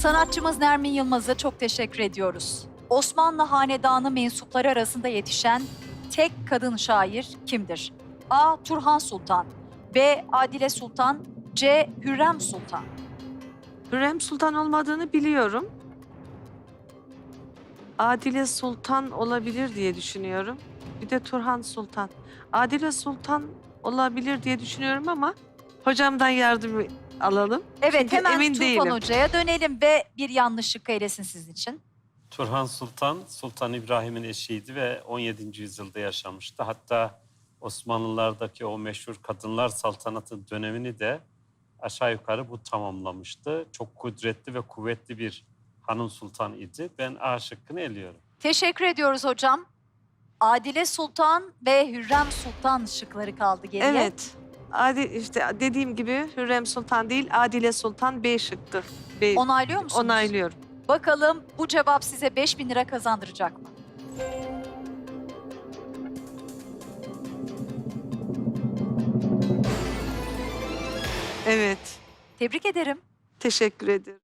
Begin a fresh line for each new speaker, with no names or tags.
Sanatçımız Nermin Yılmaz'a çok teşekkür ediyoruz. Osmanlı Hanedanı mensupları arasında yetişen tek kadın şair kimdir? A. Turhan Sultan, B. Adile Sultan, C. Hürrem Sultan.
Hürrem Sultan olmadığını biliyorum. Adile Sultan olabilir diye düşünüyorum. Bir de Turhan Sultan. Adile Sultan olabilir diye düşünüyorum ama hocamdan yardım alalım.
Evet,
Çünkü
hemen
emin
Tufan
değilim.
Hoca'ya dönelim ve bir yanlışlık eylesin sizin için.
Turhan Sultan, Sultan İbrahim'in eşiydi ve 17. yüzyılda yaşamıştı. Hatta Osmanlılardaki o meşhur kadınlar saltanatı dönemini de aşağı yukarı bu tamamlamıştı. Çok kudretli ve kuvvetli bir hanım sultan idi. Ben A şıkkını eliyorum.
Teşekkür ediyoruz hocam. Adile Sultan ve Hürrem Sultan şıkları kaldı geriye.
Evet. İşte dediğim gibi Hürrem Sultan değil, Adile Sultan B şıktı. B.
Onaylıyor musunuz?
Onaylıyorum.
Bakalım bu cevap size 5.000 lira kazandıracak mı?
Evet.
Tebrik ederim.
Teşekkür ederim.